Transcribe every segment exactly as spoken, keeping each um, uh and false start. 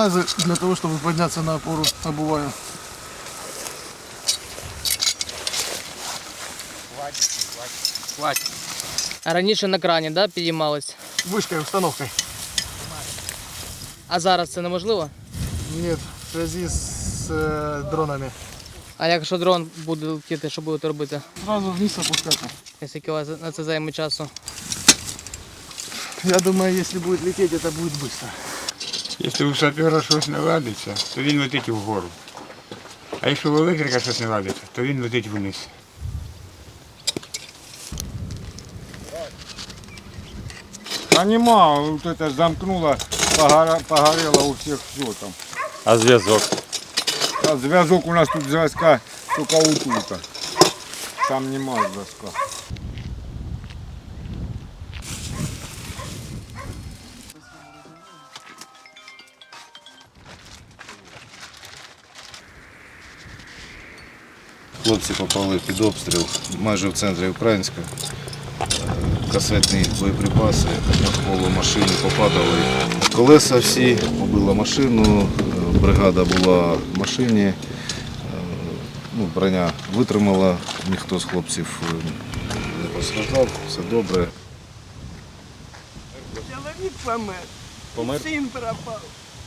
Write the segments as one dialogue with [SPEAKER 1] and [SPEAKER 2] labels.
[SPEAKER 1] унитазы для того, чтобы подняться на опору, обуваю.
[SPEAKER 2] Хватит, хватит. Хватит.
[SPEAKER 3] А раніше на крані, да, підіймались?
[SPEAKER 1] Вышкой, установкой.
[SPEAKER 3] А зараз це неможливо?
[SPEAKER 1] Нет, в связи с э, дронами.
[SPEAKER 3] А якщо дрон буде летіти, що будете робити?
[SPEAKER 1] Сразу вниз опускаться.
[SPEAKER 3] Скільки у вас на це займе часу?
[SPEAKER 1] Я думаю, если будет лететь, это будет быстро.
[SPEAKER 2] Якщо у сапера щось не ладиться, то він летить вгору. А якщо у електрика щось не ладиться, то він летить вниз.
[SPEAKER 4] А нема, вот это замкнуло, погора- погорело у всех все там.
[SPEAKER 5] А зв'язок?
[SPEAKER 4] А зв'язок у нас тут зв'язка тільки отут. Там нема зв'язка.
[SPEAKER 6] Хлопці попали під обстріл майже в центрі Українська. Касетні боєприпаси навколо машини попадали. Колеса всі, побила машину, бригада була в машині, ну, броня витримала, ніхто з хлопців не постраждав, все добре.
[SPEAKER 7] Чоловік помер,
[SPEAKER 6] Помер?
[SPEAKER 7] син пропав.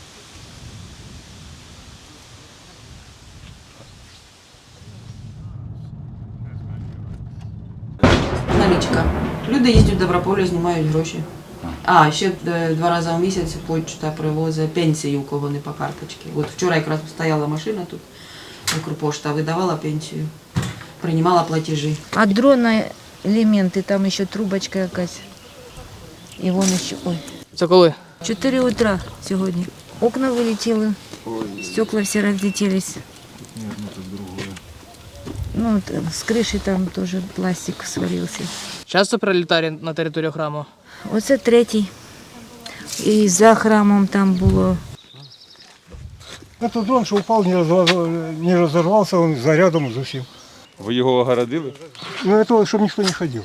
[SPEAKER 8] Налічка. Люди їздять в Доброполі, знімають гроші. А, ще е, два рази в місяць почта привозить пенсію, у кого не по карточці. От вчора якраз стояла машина тут, Укрпошта видавала пенсію, приймала платежі.
[SPEAKER 9] А дрона елементи, там ще трубочка якась. І вон ще, ой.
[SPEAKER 3] Це коли?
[SPEAKER 9] чотири утра сьогодні. Окна вилетіли, стекла всі розлетілись. Ну, з криші там теж пластик свалився.
[SPEAKER 3] Часто прилітає на територію храму?
[SPEAKER 9] Оце третій. І за храмом там було.
[SPEAKER 4] Этот дрон, что упал, не, разорвал, не разорвался, он зарядом за всем.
[SPEAKER 5] Ви його огородили?
[SPEAKER 4] Ну это чтобы никто не ходил.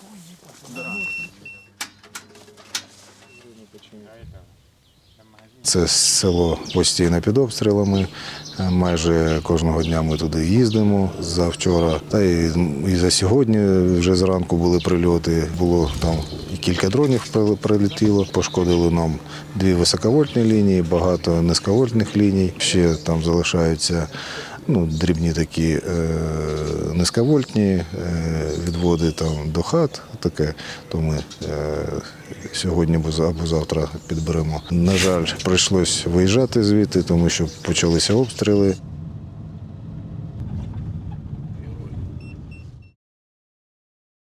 [SPEAKER 6] Це село постійно під обстрілами. Майже кожного дня ми туди їздимо завчора. Та і, і за сьогодні вже зранку були прильоти. Було там і кілька дронів прилетіло. Пошкодили нам дві високовольтні лінії, багато низьковольтних ліній. Ще там залишаються ну, дрібні такі е, низьковольтні е, відводи там до хат. Таке, то ми е, сьогодні або завтра підберемо. На жаль, прийшлось виїжджати звідти, тому що почалися обстріли.